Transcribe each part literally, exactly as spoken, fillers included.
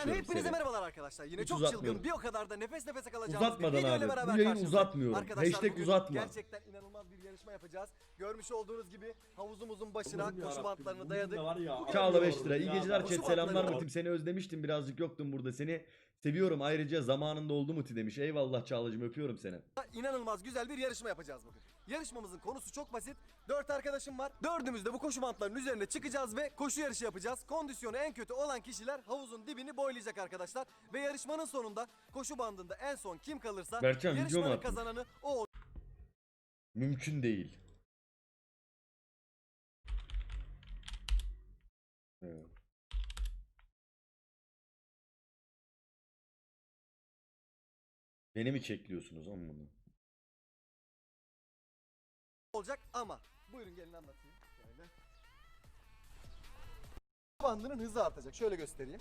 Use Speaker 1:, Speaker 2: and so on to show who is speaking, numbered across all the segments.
Speaker 1: yapıyorum
Speaker 2: hepinize
Speaker 1: seni.
Speaker 2: merhabalar arkadaşlar. Yine
Speaker 1: Hiç
Speaker 2: çok
Speaker 1: uzatmıyorum.
Speaker 2: çılgın, bir o kadar da nefes nefese kalacağımız
Speaker 1: Uzatmadan
Speaker 2: bir videoyla
Speaker 1: abi.
Speaker 2: beraber
Speaker 1: Bu yayını
Speaker 2: karşınızdayım.
Speaker 1: uzatmıyorum.
Speaker 2: Arkadaşlar
Speaker 1: Hashtag
Speaker 2: bugün
Speaker 1: uzatma.
Speaker 2: gerçekten inanılmaz bir yarışma yapacağız. Görmüş olduğunuz gibi havuzumuzun başına koşu bantlarını dayadık.
Speaker 1: Çağla beş lira. İyi geceler
Speaker 2: Koşu
Speaker 1: chat. Selamlar
Speaker 2: bantları-
Speaker 1: Mutim. Seni özlemiştim. Birazcık yoktun burada. Seni seviyorum. Ayrıca zamanında oldu Muti demiş. Eyvallah Çağla'cığım, öpüyorum seni.
Speaker 2: İnanılmaz güzel bir yarışma yapacağız bugün. Yarışmamızın konusu çok basit. Dört arkadaşım var. Dördümüz de bu koşu bantlarının üzerine çıkacağız ve koşu yarışı yapacağız. Kondisyonu en kötü olan kişiler havuzun dibini boylayacak arkadaşlar. Ve yarışmanın sonunda koşu bandında en son kim kalırsa
Speaker 1: Berkcan, video mu
Speaker 2: yarışmanın
Speaker 1: attın?
Speaker 2: kazananı o
Speaker 1: Mümkün değil. Evet. Beni mi çekliyorsunuz oğlum bunu?
Speaker 2: olacak ama. Buyurun gelin anlatayım. Şöyle. Bandının hızı artacak. Şöyle göstereyim.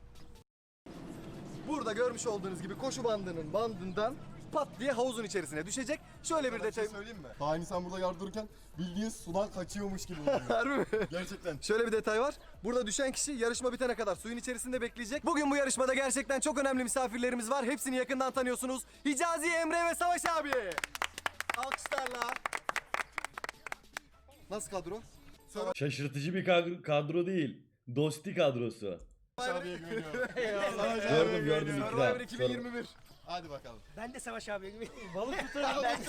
Speaker 2: Burada görmüş olduğunuz gibi koşu bandının bandından pat diye havuzun içerisine düşecek. Şöyle bir
Speaker 3: Bir
Speaker 2: detay.
Speaker 3: şey söyleyeyim mi? Daha insan burada yardırırken bildiğin sudan kaçıyormuş gibi oluyor.
Speaker 2: Harbi mi?
Speaker 3: Gerçekten.
Speaker 2: Şöyle bir detay var. Burada düşen kişi yarışma bitene kadar suyun içerisinde bekleyecek. Bugün bu yarışmada gerçekten çok önemli misafirlerimiz var. Hepsini yakından tanıyorsunuz. Hicazi, Emre ve Savaş abi. Alkışlarla. Nasıl kadro?
Speaker 1: Şaşırtıcı bir kadro, kadro değil. Dosti kadrosu.
Speaker 3: Abiye güveniyorum.
Speaker 1: Gördüm gördüm
Speaker 2: Survivor
Speaker 1: ikna.
Speaker 2: iki bin yirmi bir.
Speaker 3: Hadi bakalım.
Speaker 4: Ben de Savaş abiye gibi.
Speaker 2: Balık tutarım ben.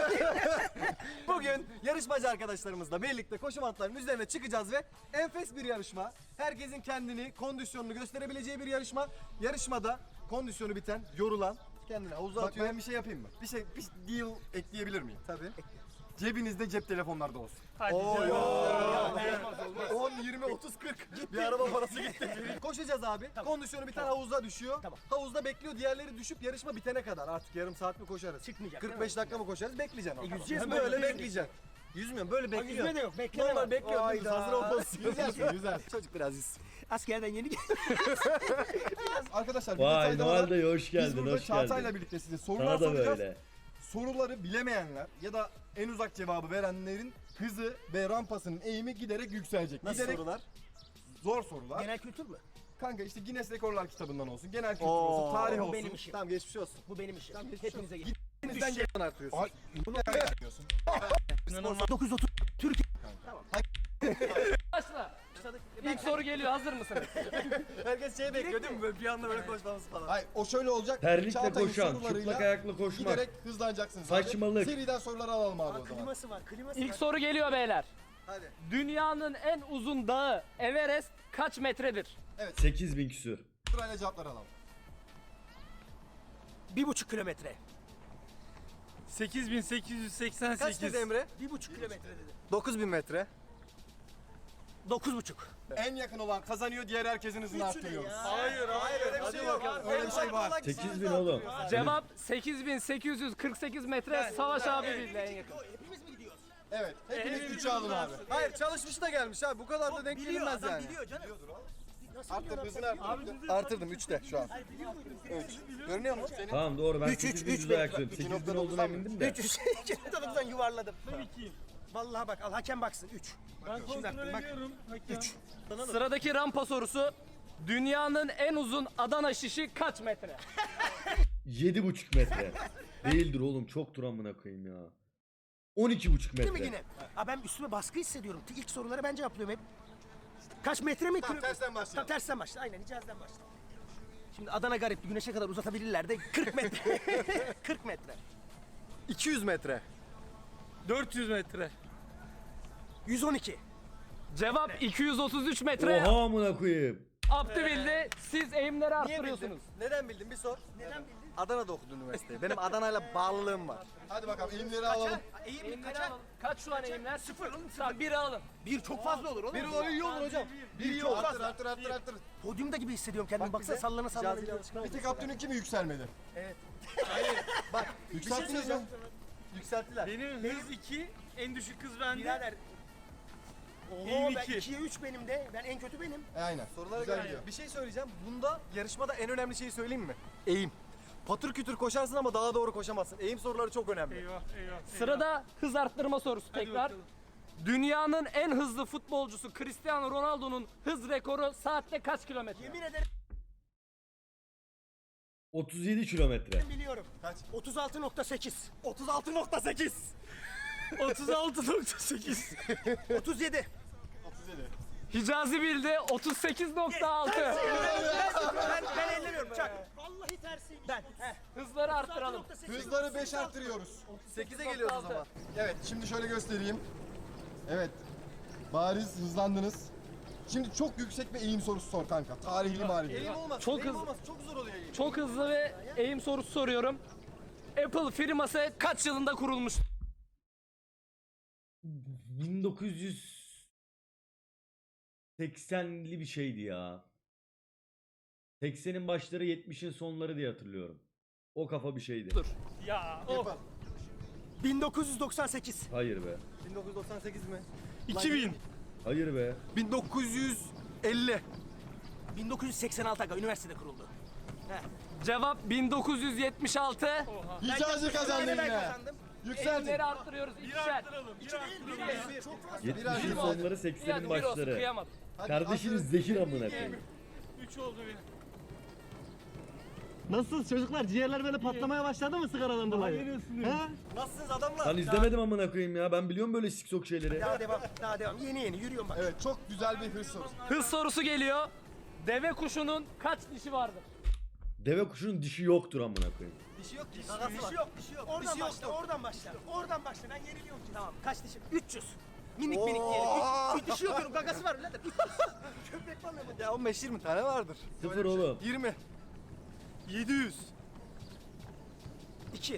Speaker 2: Bugün yarışmacı arkadaşlarımızla birlikte koşu bantlarının üzerine çıkacağız ve enfes bir yarışma. Herkesin kendini, kondisyonunu gösterebileceği bir yarışma. Yarışmada kondisyonu biten, yorulan, kendini havuza
Speaker 3: Bak
Speaker 2: atıyor.
Speaker 3: ben bir şey yapayım mı? Bir şey, bir deal ekleyebilir miyim?
Speaker 2: Tabii.
Speaker 3: Cebinizde cep telefonlarda olsun.
Speaker 2: Oo. on, yirmi, otuz, kırk. Bir araba parası gitti. Koşacağız abi. Kondisyonu biten havuzda düşüyor.
Speaker 4: Tamam.
Speaker 2: Havuzda bekliyor. Diğerleri düşüp yarışma bitene kadar. Artık yarım saat mi koşarız?
Speaker 4: Çıkmayacak,
Speaker 2: kırk beş
Speaker 4: değil mi?
Speaker 2: dakika mı koşarız? Bekleyeceksin.
Speaker 4: E,
Speaker 2: orada.
Speaker 4: yüzeceğiz mi?
Speaker 2: Böyle
Speaker 4: Yüzeceğiz.
Speaker 2: bekleyeceksin. Yüzmüyorum böyle bekliyor.
Speaker 4: yüzme de yok, bekleme
Speaker 2: Normal
Speaker 4: var.
Speaker 2: bekliyor.
Speaker 4: Hayda.
Speaker 2: Hazır olmalısın.
Speaker 3: Yüzersin, yüzer.
Speaker 2: Çocuk biraz yüz.
Speaker 4: Askerden yeni geldim.
Speaker 3: Arkadaşlar bir
Speaker 1: Vay
Speaker 3: detay daha var.
Speaker 1: Noel Dayı hoş
Speaker 3: Biz
Speaker 1: geldin,
Speaker 3: burada
Speaker 1: hoş
Speaker 3: Çağatay'la
Speaker 1: geldin.
Speaker 3: birlikte size sorular
Speaker 1: Sana da
Speaker 3: soracağız.
Speaker 1: böyle.
Speaker 3: Soruları bilemeyenler ya da en uzak cevabı verenlerin hızı ve rampasının eğimi giderek yükselecek.
Speaker 2: Nasıl
Speaker 3: giderek
Speaker 2: sorular?
Speaker 3: zor sorular.
Speaker 4: Genel kültür mü?
Speaker 3: Kanka işte Guinness Rekorlar kitabından olsun, genel kültür
Speaker 2: Oo,
Speaker 3: olsun, tarih
Speaker 4: bu
Speaker 3: olsun.
Speaker 4: benim işim.
Speaker 2: Tamam geçmiş olsun.
Speaker 4: Bu benim işim.
Speaker 2: geçmiş
Speaker 4: Hepinize
Speaker 2: olsun.
Speaker 4: gelin.
Speaker 3: Elinizden gelen
Speaker 2: Artıyorsun.
Speaker 3: Ay, bunu yapıyorsun.
Speaker 4: dokuz yüz otuz Türkiye.
Speaker 5: Başla. İlk soru geliyor. Hazır mısınız?
Speaker 2: Herkes şey bekliyor değil mi? Böyle bir anda böyle koşmamız falan.
Speaker 3: Hayır, o şöyle olacak.
Speaker 1: Terlikle
Speaker 3: Çağatay'ın
Speaker 1: koşan,
Speaker 3: sorularıyla
Speaker 1: çıplak ayakla koşmak.
Speaker 3: Giderek hızlanacaksınız
Speaker 1: Saçmalık.
Speaker 3: abi. Seriden soruları alalım abi o zaman.
Speaker 4: Kliması var, kliması
Speaker 5: İlk
Speaker 4: var.
Speaker 5: soru geliyor beyler.
Speaker 2: Hadi.
Speaker 5: Dünyanın en uzun dağı Everest kaç metredir?
Speaker 1: sekiz bin küsür.
Speaker 3: Sırayla cevapları alalım.
Speaker 4: Bir buçuk kilometre.
Speaker 6: sekiz bin sekiz yüz seksen
Speaker 2: Kaç
Speaker 6: sekiz.
Speaker 2: dedi Emre?
Speaker 4: Bir buçuk kilometre dedi.
Speaker 2: dokuz bin metre.
Speaker 4: Dokuz buçuk.
Speaker 3: En yakın olan kazanıyor, diğer herkesin hızını arttırıyoruz.
Speaker 6: Hayır hayır.
Speaker 2: Öyle bir şey yok.
Speaker 3: Öyle bir şey var.
Speaker 1: sekiz bin oğlum.
Speaker 5: Cevap sekiz bin sekiz yüz kırk sekiz metre. Savaş abi bildi en yakın.
Speaker 4: Hepimiz mi gidiyoruz?
Speaker 3: Evet, hepiniz üçe alın abi.
Speaker 2: Hayır çalışmış da gelmiş abi. Bu kadar da denk
Speaker 4: Biliyor,
Speaker 2: gelinmez
Speaker 4: adam
Speaker 2: yani.
Speaker 4: biliyor canım. Nasıl
Speaker 3: Arttır,
Speaker 4: biliyor
Speaker 3: hızını
Speaker 4: lan?
Speaker 3: arttır.
Speaker 2: Artırdım üçte şu an. üç. Görünüyor mu?
Speaker 1: Tamam doğru, ben
Speaker 4: Üç, üç,
Speaker 1: sekiz bin
Speaker 4: üç
Speaker 1: yüz
Speaker 4: bin-
Speaker 1: ayak söyledim. sekiz bin
Speaker 3: nokta
Speaker 1: olduğuna
Speaker 3: doksan
Speaker 1: emindim de.
Speaker 4: üç yüz. Canımdan yuvarladım. Vallahi bak al hakem baksın. üç.
Speaker 6: Ben
Speaker 4: Şimdi
Speaker 6: kontrol
Speaker 4: attım, bak.
Speaker 6: ediyorum. Hakem.
Speaker 4: üç.
Speaker 5: Sıradaki rampa sorusu. Dünyanın en uzun Adana şişi kaç metre?
Speaker 1: yedi buçuk metre. Değildir oğlum, çoktur amına koyayım ya. on iki buçuk
Speaker 4: Değil mi
Speaker 1: metre.
Speaker 4: yine? Aa, ben üstüme baskı hissediyorum. İlk soruları ben cevaplıyorum hep. Kaç metre mi?
Speaker 3: Tamam,
Speaker 4: Kilo-
Speaker 3: tersten başlayalım.
Speaker 4: Tamam, tersten başla. Aynen Hicaz'dan başla. Şimdi Adana garip güneşe kadar uzatabilirler de kırk metre. kırk metre.
Speaker 2: iki yüz metre.
Speaker 6: dört yüz metre.
Speaker 4: yüz on iki.
Speaker 5: Cevap iki yüz otuz üç metre.
Speaker 1: Oha amına koyayım.
Speaker 5: Abdü bildi. Siz eğimleri
Speaker 2: Niye bildin?
Speaker 5: arttırıyorsunuz.
Speaker 2: Neden bildin? Bir sor.
Speaker 4: Neden bildin?
Speaker 2: Adana'da okudun üniversiteyi. Benim Adana'yla bağlılığım var.
Speaker 3: Hadi bakalım, eğimleri alalım.
Speaker 4: Eğim
Speaker 5: Eğimleri
Speaker 4: kaça?
Speaker 5: alalım. Kaç şu an eğimler?
Speaker 4: Sıfır oğlum.
Speaker 5: Tamam biri alın.
Speaker 4: Bir çok fazla olur oğlum.
Speaker 2: Bir o iyi olur hocam. Bir iyi olur.
Speaker 3: Arttır, arttır, arttır, arttır.
Speaker 4: Podyumda gibi hissediyorum kendimi. Baksana
Speaker 2: bize.
Speaker 4: sallana sallana.
Speaker 2: Hicazi'yle alışkın
Speaker 3: Bir tek Abdü'nünki mi yükselmedi?
Speaker 2: Bak bir şey
Speaker 3: Yükselttiniz
Speaker 2: söyleyeceğim.
Speaker 3: mi?
Speaker 2: Yükselttiler.
Speaker 6: Benim hız iki. En düşük hız bende.
Speaker 4: Birader. Oho
Speaker 6: Eğim
Speaker 4: ben
Speaker 6: iki.
Speaker 4: ikiye üç benim de. Ben en kötü benim.
Speaker 3: E, aynen.
Speaker 2: Sorulara
Speaker 3: Güzel
Speaker 2: göre
Speaker 3: gidiyor.
Speaker 2: bir şey söyleyeceğim. Bunda yarışmada en önemli şeyi söyleyeyim mi? Eğim. Patır kütür koşarsın ama daha doğru koşamazsın. Eğim soruları çok önemli.
Speaker 6: Eyvah eyvah.
Speaker 5: Sırada hız arttırma sorusu
Speaker 6: Hadi
Speaker 5: tekrar.
Speaker 6: bakalım.
Speaker 5: Dünyanın en hızlı futbolcusu Cristiano Ronaldo'nun hız rekoru saatte kaç kilometre?
Speaker 4: Yemin ederim
Speaker 1: otuz yedi kilometre.
Speaker 4: Biliyorum.
Speaker 3: Kaç?
Speaker 4: otuz altı nokta sekiz.
Speaker 2: otuz altı nokta sekiz.
Speaker 6: otuz altı nokta sekiz.
Speaker 4: otuz yedi.
Speaker 3: otuz yedi.
Speaker 5: Hicazi bildi otuz sekiz nokta altı.
Speaker 4: Ben, ben ellemiyorum Çak. Vallahi tersiymiş. Ben. Heh.
Speaker 5: Hızları arttıralım.
Speaker 3: Hızları beş arttırıyoruz.
Speaker 2: sekize geliyoruz o zaman.
Speaker 3: Evet, şimdi şöyle göstereyim. Evet. Bariz hızlandınız. Şimdi çok yüksek bir eğim sorusu sor kanka. Tarihli marifli.
Speaker 2: Eğim olmaz.
Speaker 5: Çok
Speaker 2: eğim
Speaker 5: hızlı.
Speaker 2: olmaz. Çok zor oluyor eğim.
Speaker 5: Çok hızlı ve eğim sorusu soruyorum. Apple firması kaç yılında kurulmuş?
Speaker 1: bin dokuz yüz seksenli bir şeydi ya. seksenin başları yetmişin sonları diye hatırlıyorum. O kafa bir şeydi.
Speaker 5: Dur. Ya of.
Speaker 3: Yapalım.
Speaker 4: bin dokuz yüz doksan sekiz.
Speaker 1: Hayır be.
Speaker 2: bin dokuz yüz doksan sekiz mi?
Speaker 6: iki bin.
Speaker 1: Hayır be.
Speaker 2: bin dokuz yüz elli.
Speaker 4: bin dokuz yüz seksen altı aga üniversitede kuruldu. Heh.
Speaker 5: Cevap bin dokuz yüz yetmiş altı.
Speaker 3: Hicazi kazandı
Speaker 4: Yine ben
Speaker 3: yine.
Speaker 4: kazandım.
Speaker 3: Yükseltin.
Speaker 5: Eğimleri arttırıyoruz.
Speaker 6: Bir
Speaker 5: İkişer.
Speaker 6: arttıralım. Bir arttıralım.
Speaker 4: Çok fazla.
Speaker 1: yetmişin sonları seksenin
Speaker 5: Hadi bir olsun
Speaker 1: başları.
Speaker 5: kıyamadım.
Speaker 3: Hadi
Speaker 1: Kardeşiniz
Speaker 3: atın.
Speaker 1: zehir amına koyayım.
Speaker 6: üç oldu benim.
Speaker 7: Nasılsınız çocuklar? Ciğerler böyle patlamaya başladı mı sigaradan dolayı? Ha?
Speaker 2: Nasılsınız adamlar?
Speaker 1: Lan izlemedim amına koyayım ya. Ben biliyorum böyle siksok şeyleri.
Speaker 4: Daha devam. Daha devam. Yeni yeni yürüyorum bak.
Speaker 3: Evet, çok güzel bir hız sorusu.
Speaker 5: Hız sorusu geliyor. Deve kuşunun kaç dişi vardır?
Speaker 1: Deve kuşunun dişi yoktur amına koyayım.
Speaker 2: Dişi yok ki.
Speaker 4: Bir
Speaker 2: Gagası
Speaker 4: şey
Speaker 2: var.
Speaker 4: yok, bir şey yok. Oradan
Speaker 2: Bir şey yok,
Speaker 4: başla,
Speaker 2: yok.
Speaker 4: oradan başla. Oradan başla. Ben yeniliyorum ki. Tamam. Kaç dişi? üç yüz. Minik minik diyelim. Üç, üç dişi yok diyorum. Gagası var birader. üç yüz. Köpek balığı mı?
Speaker 2: Ya on beş yirmi tane vardır.
Speaker 1: Sıfır oğlum.
Speaker 2: yirmi. yedi yüz.
Speaker 4: İki.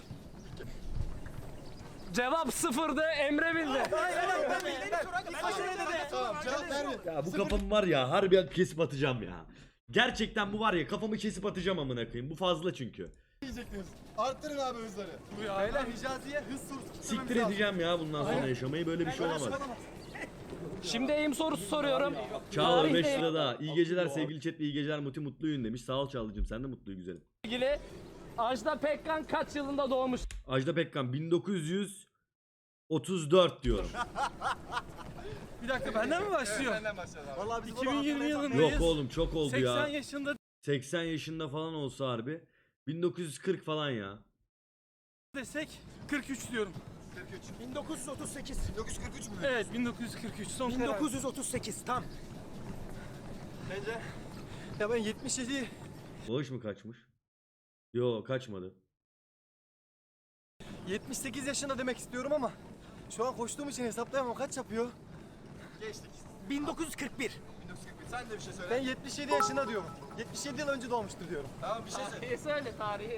Speaker 5: Cevap sıfırdı. Emre bildi.
Speaker 4: Hayır, hayır, ben bildim. Ben başarılı dedi.
Speaker 3: Tamam, cevap verdi.
Speaker 1: Ya bu kafamı var ya harbi kesip atacağım ya. Gerçekten bu var ya kafamı kesip atacağım amına koyayım. Bu fazla çünkü.
Speaker 3: Diyecektiniz. Arttırın abi hızları.
Speaker 2: Beyler Hicazi'ye hız sorusu kitlememiz
Speaker 1: Siktir
Speaker 2: lazım.
Speaker 1: edeceğim ya bundan sonra yaşamayı. Böyle bir şey olamaz.
Speaker 5: Şimdi eğim sorusu soruyorum.
Speaker 1: Çağla
Speaker 5: Tarihte
Speaker 1: beş lira daha. İyi geceler sevgili chat ve iyi geceler Muti mutluyun demiş. Sağ ol Çağlıcığım sen de mutluyu güzelim.
Speaker 5: ilgili Ajda Pekkan kaç yılında doğmuş?
Speaker 1: Ajda Pekkan bin dokuz yüz otuz dört diyorum.
Speaker 6: Bir dakika benden mi başlıyor?
Speaker 3: Benden başlayalım abi.
Speaker 2: Vallahi biz
Speaker 6: iki bin yirmi yılındayız.
Speaker 1: Yok oğlum çok oldu
Speaker 6: seksen
Speaker 1: ya.
Speaker 6: yaşında
Speaker 1: seksen yaşında falan olsa harbi. bin dokuz yüz kırk falan ya.
Speaker 6: desek kırk üç diyorum.
Speaker 3: kırk üç.
Speaker 4: bin dokuz yüz otuz sekiz.
Speaker 3: bin dokuz yüz kırk üç mü?
Speaker 6: Evet bin dokuz yüz kırk üç son
Speaker 4: bin
Speaker 6: karar.
Speaker 4: dokuz yüz otuz sekiz. Tam.
Speaker 2: Bence. Ya ben yetmiş yedi.
Speaker 1: Bağış mı kaçmış? Yo kaçmadı.
Speaker 2: yetmiş sekiz yaşında demek istiyorum ama şu an koştuğum için hesaplayamam. Kaç yapıyor?
Speaker 3: Geçtik.
Speaker 4: bin dokuz yüz kırk bir.
Speaker 3: bin dokuz yüz kırk bir. Sen de bir şey söyle.
Speaker 2: Ben yetmiş yedi yaşında diyorum. yetmiş yedi yıl önce doğmuştur diyorum.
Speaker 3: Tamam bir şey söyle.
Speaker 5: Tarihi söyle tarihi.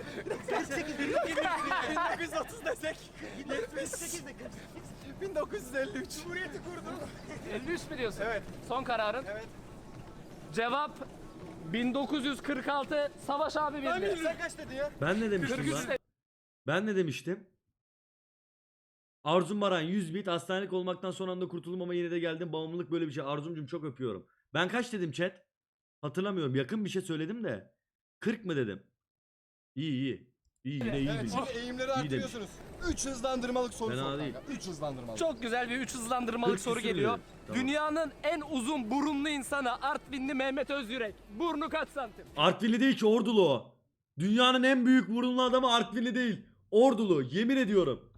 Speaker 2: bin dokuz yüz otuz desek.
Speaker 4: yetmiş sekiz de kırk.
Speaker 2: bin dokuz yüz elli üç.
Speaker 4: Cumhuriyeti kurdu.
Speaker 5: elli üç mi diyorsun?
Speaker 2: Evet.
Speaker 5: Son kararın.
Speaker 2: Evet.
Speaker 5: Cevap bin dokuz yüz kırk altı. Savaş abi bildi.
Speaker 2: Sen kaç dedin ya?
Speaker 1: Ben ne demiştim
Speaker 5: kırk üç
Speaker 1: lan?
Speaker 5: de-
Speaker 1: Ben ne demiştim? Arzum Baran yüz bit hastanelik olmaktan son anda kurtuldum ama yine de geldim. Bağımlılık böyle bir şey. Arzumcum çok öpüyorum. Ben kaç dedim chat? Hatırlamıyorum. Yakın bir şey söyledim de. kırk mı dedim? İyi iyi. İyi yine iyi
Speaker 3: Evet,
Speaker 1: bildim.
Speaker 3: şimdi eğimleri
Speaker 1: demiş.
Speaker 3: arttırıyorsunuz. üç hızlandırmalık soru
Speaker 1: Fena
Speaker 3: sor
Speaker 1: değil.
Speaker 3: kanka. üç hızlandırmalık.
Speaker 5: Çok güzel bir üç hızlandırmalık
Speaker 1: kırk
Speaker 5: soru
Speaker 1: küsür
Speaker 5: geliyor.
Speaker 1: dedim. Tamam.
Speaker 5: Dünyanın en uzun burunlu insanı Artvinli Mehmet Özyürek. Burnu kaç santim?
Speaker 1: Artvinli değil ki Ordulu o. Dünyanın en büyük burunlu adamı Artvinli değil. Ordulu. Yemin ediyorum.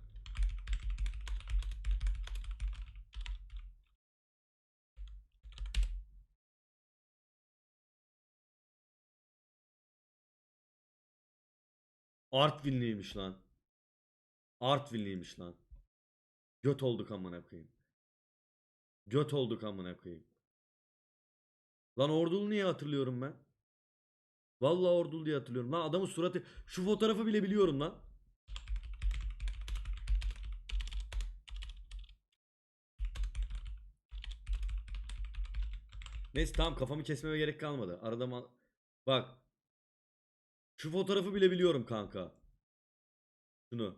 Speaker 1: Artvinliymiş lan. Artvinliymiş lan. Göt olduk amına koyayım. Göt olduk amına koyayım. Lan Ordulu niye hatırlıyorum ben? Vallahi Ordulu diye hatırlıyorum. Lan adamın suratı şu fotoğrafı bile biliyorum lan. Neyse tamam kafamı kesmeme gerek kalmadı. Arada mal... Bak. Şu fotoğrafı bile biliyorum kanka. Şunu.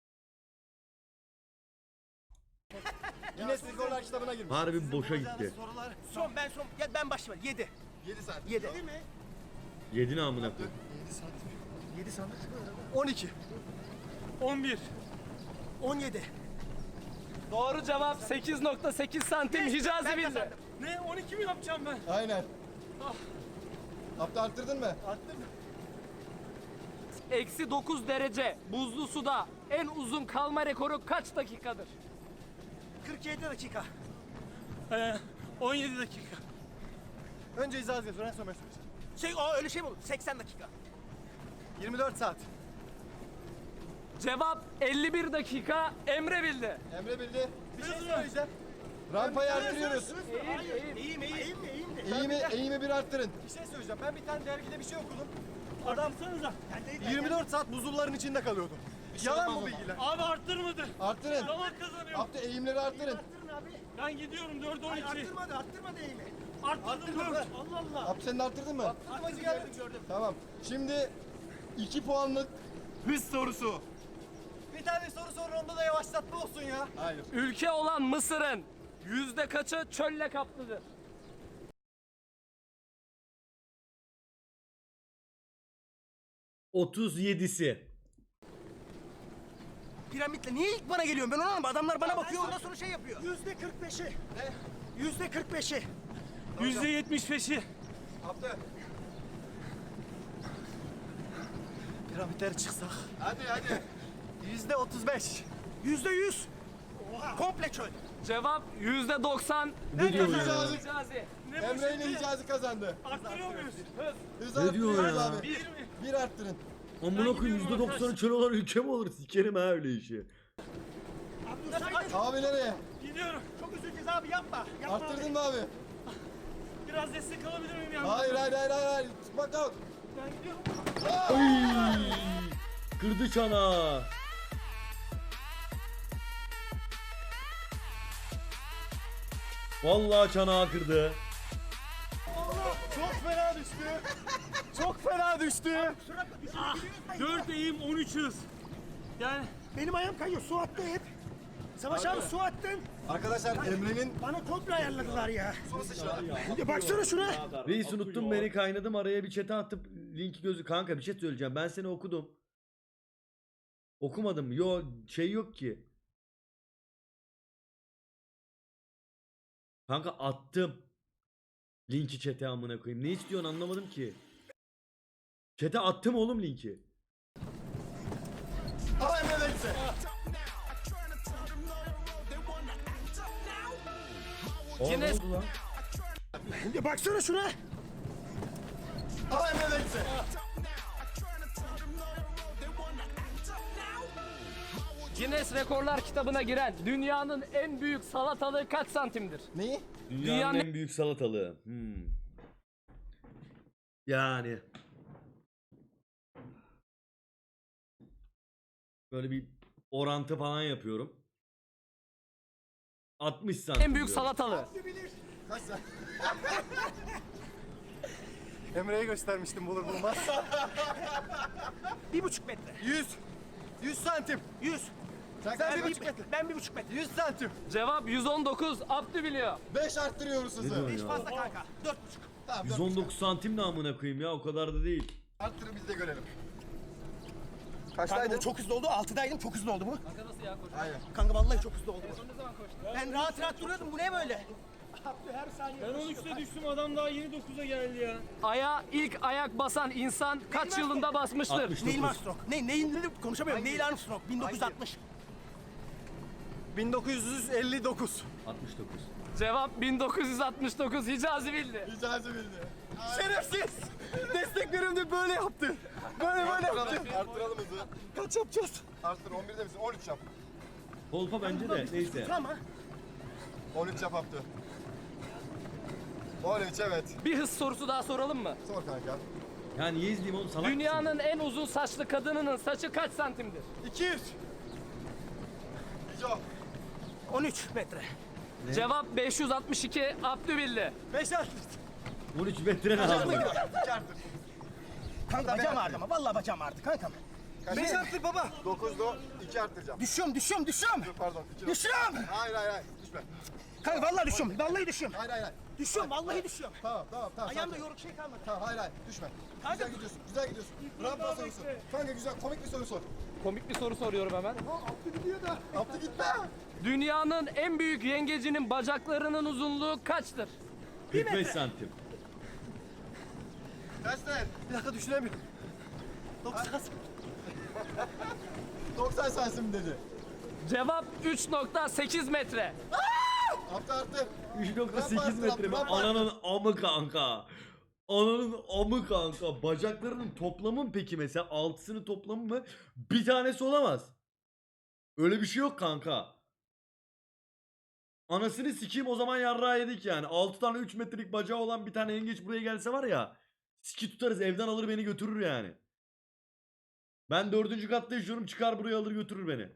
Speaker 3: Yine skorlar kitabına girmiş.
Speaker 1: Harbi boşa gitti.
Speaker 2: Sorular.
Speaker 4: Son ben son. Ya ben başlayayım. yedi.
Speaker 3: yedi saat.
Speaker 4: yedi.
Speaker 1: Yedi ne amına koyayım.
Speaker 4: yedi sandık.
Speaker 2: on iki.
Speaker 6: on bir.
Speaker 4: on yedi.
Speaker 5: Doğru cevap sekiz nokta sekiz santim. Hicazi bildi.
Speaker 6: Ne on iki mi yapacağım ben?
Speaker 3: Aynen. Abdü arttırdın mı?
Speaker 2: Arttın mı?
Speaker 5: eksi dokuz derece buzlu suda en uzun kalma rekoru kaç dakikadır?
Speaker 4: kırk yedi dakika.
Speaker 6: Ee, on yedi dakika.
Speaker 2: Önce izah et, sonra söyleyeceğim.
Speaker 4: Şey, o öyle şey mi olur? seksen dakika.
Speaker 2: yirmi dört saat.
Speaker 5: Cevap elli bir dakika. Emre bildi.
Speaker 3: Emre bildi.
Speaker 2: Bir şey söyleyeceğim.
Speaker 3: Rampayı arttırıyoruz.
Speaker 4: İyiyim, iyiyim, iyiyim de.
Speaker 3: Eğimi, eğimi bir arttırın.
Speaker 2: Bir şey söyleyeceğim. Ben bir tane dergide bir şey okudum.
Speaker 6: Arttırsanıza.
Speaker 2: yirmi dört saat buzulların içinde kalıyordum. Yalan mı bilgiler?
Speaker 6: Abi arttırmadı.
Speaker 3: Arttırın.
Speaker 6: Zaman kazanıyor.
Speaker 3: Abdü eğimleri arttırın.
Speaker 4: Arttırın abi.
Speaker 6: Ben gidiyorum dört on
Speaker 4: Hayır,
Speaker 6: iki.
Speaker 4: arttırmadı, arttırmadı eğimi.
Speaker 6: Arttırdım dört. Allah Allah.
Speaker 3: Abdü sen de arttırdın mı?
Speaker 2: Arttırmacı geldi.
Speaker 4: Gördüm.
Speaker 3: Tamam. Şimdi iki puanlık hız sorusu.
Speaker 2: Bir tane soru sor, onda da yavaşlatma olsun ya.
Speaker 3: Hayır.
Speaker 5: Ülke olan Mısır'ın yüzde kaçı çölle kaplıdır?
Speaker 1: otuz yedisi.
Speaker 4: Piramitle niye ilk bana geliyorsun? Ben onu anlamadım. Adamlar bana bakıyor, ondan sonra şey yapıyor. Yüzde kırk beşi. Ne? Yüzde kırk beşi.
Speaker 6: Yüzde yetmiş beşi.
Speaker 2: Abdü. Piramitleri çıksak.
Speaker 3: Hadi hadi.
Speaker 2: Yüzde otuz beş.
Speaker 4: Yüzde yüz. Komple çöl.
Speaker 5: Cevap yüzde doksan.
Speaker 1: Ne diyor ya?
Speaker 3: Hicazi.
Speaker 5: Hicazi.
Speaker 6: Ne bu
Speaker 3: Emre ile
Speaker 6: şimdi?
Speaker 3: Hicazi kazandı.
Speaker 6: Arttırıyor muyuz?
Speaker 3: Hız
Speaker 1: Ne diyor
Speaker 3: arttırıyoruz
Speaker 1: ya?
Speaker 3: abi. Bir, bir arttırın.
Speaker 1: Amına koyayım yüzde doksanı çöl olan ülke mi olur? Sikerim ha öyle işi.
Speaker 3: Abi nereye?
Speaker 6: Gidiyorum.
Speaker 4: Çok üzüleceğiz abi, yapma. Yapma
Speaker 3: Arttırdın mı abi?
Speaker 6: Biraz destek alabilir miyim yani?
Speaker 3: Hayır hayır hayır hayır. hayır. Bak bak.
Speaker 6: Ben gidiyorum.
Speaker 1: Oy! Kırdı çanağı. Vallahi çanağı kırdı.
Speaker 2: Çok fena düştü. Çok fena düştü.
Speaker 6: dört eğim on üç hız. Yani
Speaker 4: Benim ayağım kayıyor, su attı hep. Savaş abi su attın.
Speaker 3: Arkadaşlar Emre'nin
Speaker 4: Bana komple ayarladılar ya. Ya baksana şuna.
Speaker 1: Reis unuttun beni, kaynadım araya bir chat'e atıp linki gözü. Kanka bir şey söyleyeceğim, ben seni okudum. Okumadım. Yo şey yok ki. Kanka attım. Linki chat'e amına koyayım. Ne istiyorsun anlamadım ki. Chat'e attım oğlum linki.
Speaker 3: Ama Emre de gitti.
Speaker 1: Aa, ne
Speaker 5: Guinness-
Speaker 1: oldu lan?
Speaker 4: Ya baksana şuna.
Speaker 3: Ama Emre de gitti.
Speaker 5: Guinness Rekorlar kitabına giren dünyanın en büyük salatalığı kaç santimdir?
Speaker 3: Neyi?
Speaker 1: Dünyanın,
Speaker 5: Dünyanın-
Speaker 1: en büyük salatalığı. Hmm. Yani. Böyle bir orantı falan yapıyorum. altmış santim.
Speaker 5: En büyük
Speaker 1: diyorum.
Speaker 5: salatalığı.
Speaker 3: Kaç sen?
Speaker 2: Emre'ye göstermiştim bulur bulmaz.
Speaker 4: Bir buçuk metre.
Speaker 2: yüz. yüz santim.
Speaker 4: Yüz.
Speaker 3: Sen
Speaker 2: Sen
Speaker 3: kaç?
Speaker 2: bir
Speaker 4: Ben
Speaker 2: buçuk
Speaker 4: bir,
Speaker 2: metre.
Speaker 4: ben bir buçuk metre.
Speaker 2: yüz santim.
Speaker 5: Cevap yüz on dokuz. Abdü biliyor.
Speaker 3: Beş arttırıyoruz
Speaker 1: Ne
Speaker 3: hızı.
Speaker 1: diyorsun
Speaker 4: Hiç
Speaker 1: ya?
Speaker 4: fazla kanka. Dört buçuk.
Speaker 3: Tamam,
Speaker 1: yüz on dokuz santim ne amına koyayım ya, o kadar da değil.
Speaker 3: arttırın biz de görelim.
Speaker 4: Kanka bu çok hızlı oldu. Altıdaydım, çok hızlı oldu bu.
Speaker 3: Aynen.
Speaker 4: Kanka vallahi çok hızlı oldu bu. Ben rahat rahat duruyordum. Bu ne böyle? Abdü her saniye.
Speaker 6: ben on üçte düştüm, adam daha yeni dokuza geldi ya.
Speaker 5: Aya ilk ayak basan insan kaç yılında basmıştır?
Speaker 1: altmış
Speaker 4: Neil
Speaker 1: dokuz.
Speaker 4: Armstrong. Ne, neyin dedim konuşamıyorum. Neil Armstrong. bin dokuz yüz altmış.
Speaker 2: bin dokuz yüz elli dokuz.
Speaker 1: altmış dokuz.
Speaker 5: Cevap bin dokuz yüz altmış dokuz. Hicazi bildi.
Speaker 3: Hicazi bildi.
Speaker 2: Şerefsiz. Desteklerimde böyle yaptı. Böyle böyle yaptı.
Speaker 3: Arttıralım, arttıralım hızı.
Speaker 2: Kaç yapacağız?
Speaker 3: Arttır, on birde misin? on üç yap.
Speaker 1: Kolpa bence de neyse.
Speaker 4: Ama
Speaker 3: on üç yap Abdü. on üç evet.
Speaker 5: Bir hız sorusu daha soralım mı?
Speaker 3: Sor kanka.
Speaker 1: Ya niye izleyeyim oğlum, salak mısın?
Speaker 5: Dünyanın en uzun saçlı kadınının saçı kaç santimdir?
Speaker 2: iki yüz.
Speaker 3: Hico.
Speaker 4: on üç metre.
Speaker 5: Cevap beş yüz altmış iki. Abdü bildi.
Speaker 2: beş artı.
Speaker 1: on üç metre ne abi?
Speaker 3: İki arttır.
Speaker 4: Kanka bacağım ağrıdı ama. Vallahi bacağım ağrıdı kankam.
Speaker 2: beş artı baba.
Speaker 3: dokuzda iki arttıracağım.
Speaker 4: Düşüyorum, düşüyorum, düşüyorum.
Speaker 3: Dur pardon. iki.
Speaker 4: Düşüyorum.
Speaker 3: Hayır hayır hayır. Düşme.
Speaker 4: Kanka vallahi düşüyorum. Vallahi düşüyorum.
Speaker 3: Hayır hayır hayır.
Speaker 4: Düşüyorum, vallahi düşüyorum.
Speaker 3: Tamam tamam tamam.
Speaker 4: Ayağımda
Speaker 3: sakin.
Speaker 4: yoruk şey kalmadı.
Speaker 3: Tamam hayır hayır düşme. Güzel gidiyorsun. Güzel gidiyorsun. Rampa sorusu. Kanka güzel komik bir soru sor.
Speaker 5: Komik bir soru soruyorum hemen.
Speaker 3: Abdü gitme.
Speaker 5: Dünyanın en büyük yengecinin bacaklarının uzunluğu kaçtır?
Speaker 1: kırk beş santim.
Speaker 3: Kaç sen?
Speaker 2: Bir dakika düşünemiyorum.
Speaker 4: doksan.
Speaker 3: doksan santim dedi.
Speaker 5: Cevap üç nokta sekiz metre.
Speaker 3: Arttı arttı.
Speaker 1: üç nokta sekiz
Speaker 3: Rampa
Speaker 1: metre mi?
Speaker 3: attı, rampa attı.
Speaker 1: Ananın amı kanka. Ananın amı kanka. Bacaklarının toplamı mı peki mesela? Altısının toplamı mı? Bir tanesi olamaz. Öyle bir şey yok kanka. Anasını sikeyim, o zaman yarrağı yedik yani. altı tane üç metrelik bacağı olan bir tane yengeç buraya gelse var ya. Siki tutarız, evden alır beni götürür yani. Ben dördüncü katta yaşıyorum, çıkar buraya alır götürür beni.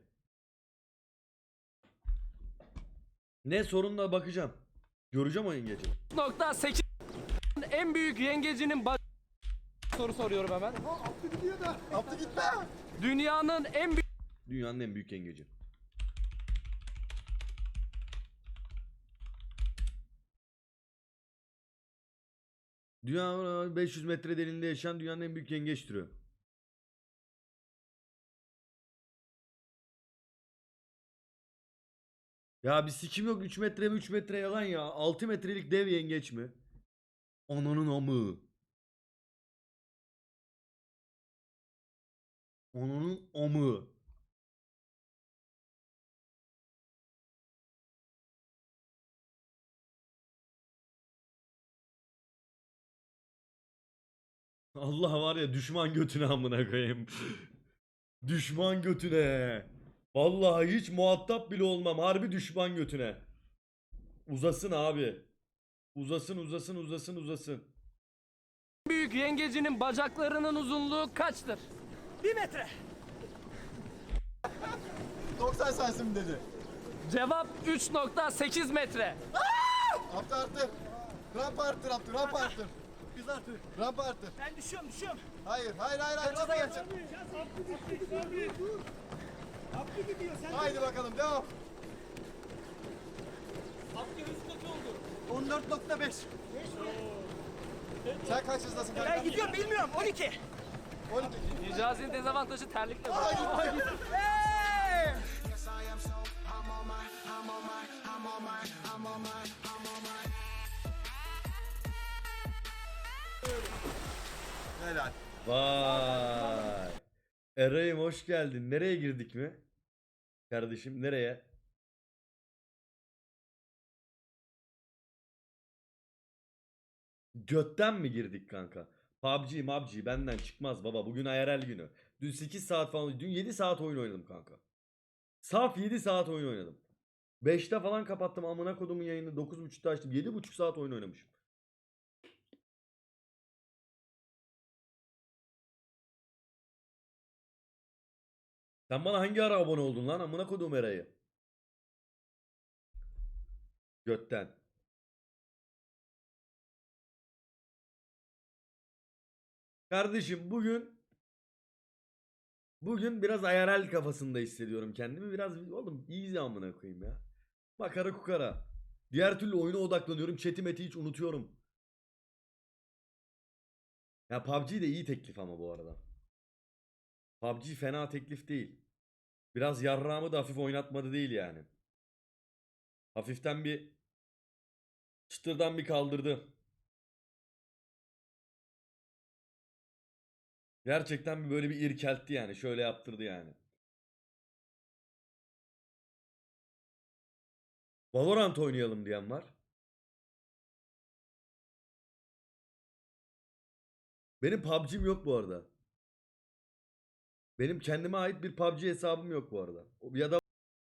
Speaker 1: Ne sorunla bakacağım. Göreceğim o yengeci.
Speaker 5: üç nokta sekiz en büyük yengecinin bac... Soru soruyorum hemen.
Speaker 3: Attı gitme.
Speaker 5: Dünyanın en büyük
Speaker 1: Dünyanın en büyük yengeci. Dünya beş yüz metre derinliğinde yaşayan dünyanın en büyük yengeç türü. Ya bir sikim yok, üç metre mi üç metre yalan ya. altı metrelik dev yengeç mi? Ananın amı. Ananın amı. Allah var ya, düşman götüne amına koyayım. Düşman götüne. Vallahi hiç muhatap bile olmam. Harbi düşman götüne. Uzasın abi. Uzasın uzasın uzasın uzasın.
Speaker 5: büyük yengecinin bacaklarının uzunluğu kaçtır?
Speaker 4: Bir metre.
Speaker 3: doksan santim dedi.
Speaker 5: Cevap üç nokta sekiz metre.
Speaker 3: Arttı arttı. Rampa arttı arttı rampa arttı.
Speaker 4: Biz artık.
Speaker 3: Rampa arttı.
Speaker 4: Ben düşüyorum düşüyorum.
Speaker 3: Hayır hayır hayır hayır. Rampa geçin.
Speaker 6: Abdü gidiyor sen.
Speaker 3: Haydi bakalım devam.
Speaker 6: Abdü hızlı kaç oldu?
Speaker 4: on dört nokta beş.
Speaker 3: Sen kaç hızdasın kanka?
Speaker 4: Ben gidiyorum bilmiyorum. on iki.
Speaker 3: on iki.
Speaker 5: Hicazi'nin dezavantajı terlikle.
Speaker 4: Hey!
Speaker 3: Helal.
Speaker 1: Vay. Eray'ım hoş geldin. Nereye girdik mi? Kardeşim nereye? Götten mi girdik kanka? P U B G, M U B G benden çıkmaz baba. Bugün I R L günü. Dün sekiz saat falan, dün yedi saat oyun oynadım kanka. Saf yedi saat oyun oynadım. beşte falan kapattım amına kodumun yayını. dokuz buçukta açtım. yedi buçuk saat oyun oynamışım. Sen bana hangi ara abone oldun lan? Amına kodum Eray'ı. Götten. Kardeşim bugün bugün biraz I R L kafasında hissediyorum kendimi. Biraz oğlum easy amına koyayım ya. Makara kukara. Diğer türlü oyuna odaklanıyorum. Chat'i meti hiç unutuyorum. Ya P U B G de iyi teklif ama bu arada. P U B G fena teklif değil. Biraz yarrağımı da hafif oynatmadı değil yani. Hafiften bir çıtırdan bir kaldırdı. Gerçekten bir böyle bir irkeltti yani. Şöyle yaptırdı yani. Valorant oynayalım diyen var. Benim P U B G'm yok bu arada. Benim kendime ait bir P U B G hesabım yok bu arada. Ya da